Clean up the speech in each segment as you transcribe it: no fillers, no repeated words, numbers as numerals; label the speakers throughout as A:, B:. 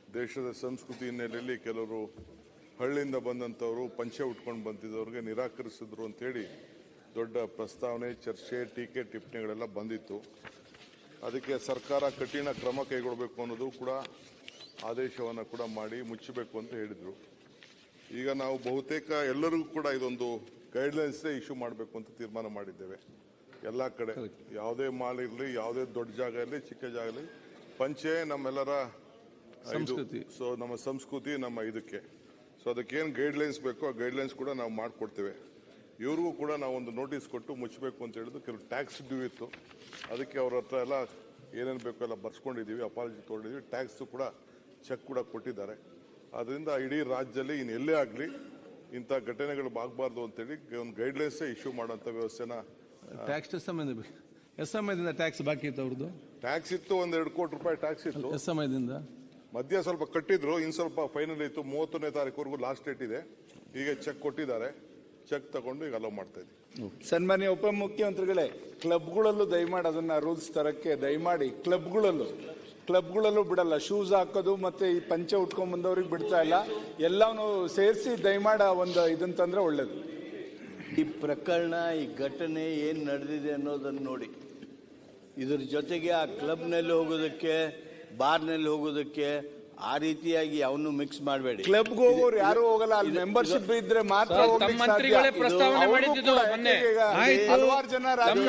A: ದೇಶದ ಸಂಸ್ಕೃತಿ ಹಿನ್ನೆಲೆಯಲ್ಲಿ ಕೆಲವರು ಹಳ್ಳಿಯಿಂದ ಬಂದಂಥವರು ಪಂಚೆ ಉಟ್ಕೊಂಡು ಬಂದಿದ್ದವ್ರಿಗೆ ನಿರಾಕರಿಸಿದ್ರು ಅಂತೇಳಿ ದೊಡ್ಡ ಪ್ರಸ್ತಾವನೆ, ಚರ್ಚೆ, ಟೀಕೆ, ಟಿಪ್ಪಣಿಗಳೆಲ್ಲ ಬಂದಿತ್ತು. ಅದಕ್ಕೆ ಸರ್ಕಾರ ಕಠಿಣ ಕ್ರಮ ಕೈಗೊಳ್ಳಬೇಕು ಅನ್ನೋದು ಕೂಡ ಆದೇಶವನ್ನು ಕೂಡ ಮಾಡಿ ಮುಚ್ಚಬೇಕು ಅಂತ ಹೇಳಿದರು. ಈಗ ನಾವು ಬಹುತೇಕ ಎಲ್ಲರಿಗೂ ಕೂಡ ಇದೊಂದು ಗೈಡ್ಲೈನ್ಸೇ ಇಶ್ಯೂ ಮಾಡಬೇಕು ಅಂತ ತೀರ್ಮಾನ ಮಾಡಿದ್ದೇವೆ. ಎಲ್ಲ ಕಡೆ ಯಾವುದೇ ಮಾಲ್ ಇರಲಿ, ಯಾವುದೇ ದೊಡ್ಡ ಜಾಗ ಇರಲಿ, ಚಿಕ್ಕ ಜಾಗ ಇರಲಿ, ಪಂಚೆ ನಮ್ಮೆಲ್ಲರ ಸಂಸ್ಕೃತಿ. ಸೊ ನಮ್ಮ ಸಂಸ್ಕೃತಿ, ನಮ್ಮ ಇದಕ್ಕೆ ಅದಕ್ಕೇನು ಗೈಡ್ಲೈನ್ಸ್ ಬೇಕೋ ಆ ಗೈಡ್ಲೈನ್ಸ್ ಕೂಡ ನಾವು ಮಾಡಿಕೊಡ್ತೇವೆ. ಇವ್ರಿಗೂ ಕೂಡ ನಾವು ಒಂದು ನೋಟಿಸ್ ಕೊಟ್ಟು ಮುಚ್ಚಬೇಕು ಅಂತ ಹೇಳಿದ್ರು. ಕೆಲವು ಟ್ಯಾಕ್ಸ್ ಡ್ಯೂ ಇತ್ತು, ಅದಕ್ಕೆ ಅವ್ರ ಹತ್ರ ಎಲ್ಲ ಏನೇನು ಬೇಕೋ ಎಲ್ಲ ಬರ್ಸ್ಕೊಂಡಿದ್ದೀವಿ, ಅಪಾಲಜಿ ತೊಗೊಂಡಿದ್ದೀವಿ, ಟ್ಯಾಕ್ಸ್ ಕೂಡ ಚೆಕ್ ಕೂಡ ಕೊಟ್ಟಿದ್ದಾರೆ. ಅದರಿಂದ ಇಡೀ ರಾಜ್ಯದಲ್ಲಿ ಇನ್ನು ಎಲ್ಲೇ ಆಗಲಿ ಇಂಥ ಘಟನೆಗಳು ಆಗಬಾರ್ದು ಅಂತೇಳಿ ಒಂದು ಗೈಡ್ಲೈನ್ಸೇ ಇಶ್ಯೂ ಮಾಡೋಂಥ ವ್ಯವಸ್ಥೆನ.
B: ಟ್ಯಾಕ್ಸ್ ಎಷ್ಟು ಸಮಯದಿಂದ ಟ್ಯಾಕ್ಸ್ ಬಾಕಿ ಇತ್ತು ಅವ್ರದ್ದು?
A: ಟ್ಯಾಕ್ಸ್ ಇತ್ತು, ಒಂದು 2 ಕೋಟಿ ರೂಪಾಯಿ ಟ್ಯಾಕ್ಸ್ ಇತ್ತು.
B: ಎಷ್ಟು ಸಮಯದಿಂದ?
A: ಮಧ್ಯ ಸ್ವಲ್ಪ ಕಟ್ಟಿದ್ರು, ಇನ್ನು ಸ್ವಲ್ಪ ಫೈನಲ್ ಇತ್ತು. 31ನೇ ತಾರೀಕುವರೆಗೂ ಲಾಸ್ಟ್ ಡೇಟ್ ಇದೆ. ಈಗ ಚೆಕ್ ಕೊಟ್ಟಿದ್ದಾರೆ, ಚೆಕ್ ತಗೊಂಡು ಈಗ ಅಲೋ ಮಾಡ್ತಾ ಇದ್ದೀವಿ.
C: ಸನ್ಮಾನ್ಯ ಉಪಮುಖ್ಯಮಂತ್ರಿಗಳೇ, ಕ್ಲಬ್ಗಳಲ್ಲೂ ದಯಮಾಡಿ ಅದನ್ನ ರೂಲ್ಸ್ ತರಕ್ಕೆ ದಯಮಾಡಿ. ಕ್ಲಬ್ಗಳಲ್ಲೂ ಬಿಡಲ್ಲ, ಶೂಸ್ ಹಾಕೋದು ಮತ್ತೆ ಈ ಪಂಚೆ ಉಟ್ಕೊಂಡ್ ಬಂದವ್ರಿಗೆ ಬಿಡ್ತಾ ಇಲ್ಲ. ಎಲ್ಲವನ್ನೂ ಸೇರಿಸಿ ದಯಮಾಡ ಒಂದು ಇದನ್ನ ತಂದ್ರೆ ಒಳ್ಳೇದು.
D: ಈ ಪ್ರಕರಣ, ಈ ಘಟನೆ ಏನು ನಡೆದಿದೆ ಅನ್ನೋದನ್ನು ನೋಡಿ. ಇದ್ರ ಜೊತೆಗೆ ಆ ಕ್ಲಬ್ನಲ್ಲಿ ಹೋಗೋದಕ್ಕೆ, ಬಾರ್ನಲ್ಲಿ ಹೋಗೋದಕ್ಕೆ ಆ ರೀತಿಯಾಗಿ ಅವನು ಮಿಕ್ಸ್ ಮಾಡಬೇಡಿ.
C: ಕ್ಲಬ್ಗೆ ಹೋಗೋರು ಯಾರು ಹೋಗಲ್ಲ, ಅಲ್ಲಿ ಮೆಂಬರ್ಶಿಪ್ ಇದ್ರೆ ಮಾತ್ರ
E: ಮಂತ್ರಿಗಳೇ ಪ್ರಸ್ತಾವನೆ ಮಾಡಿದ್ದು ಮೊನ್ನೆ.
C: ಹಲವಾರು ಜನ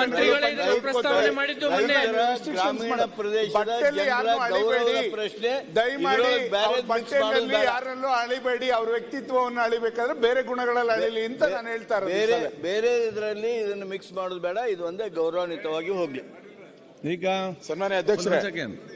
D: ಗ್ರಾಮೀಣ ಪ್ರದೇಶದ ಜನರ ಗೌರವದ ಪ್ರಶ್ನೆ.
C: ದಯಮಾಡಿ ಬಟ್ಟೆಯಲ್ಲಿ ಯಾರಲ್ಲೂ ಅಳಿಬೇಡಿ, ಅವ್ರ ವ್ಯಕ್ತಿತ್ವವನ್ನು ಅಳಿಬೇಕಾದ್ರೆ ಬೇರೆ ಗುಣಗಳಲ್ಲಿ ಅಳಿಲಿ ಅಂತ ನಾನು ಹೇಳ್ತಾ ಇರೋದು.
D: ಬೇರೆ ಇದರಲ್ಲಿ ಇದನ್ನು ಮಿಕ್ಸ್ ಮಾಡೋದು ಬೇಡ. ಇದು ಒಂದೇ ಗೌರವಾನ್ವಿತವಾಗಿ ಹೋಗ್ಲಿ.
B: ಈಗ
C: ಸನ್ಮಾನ್ಯ ಅಧ್ಯಕ್ಷರೇ,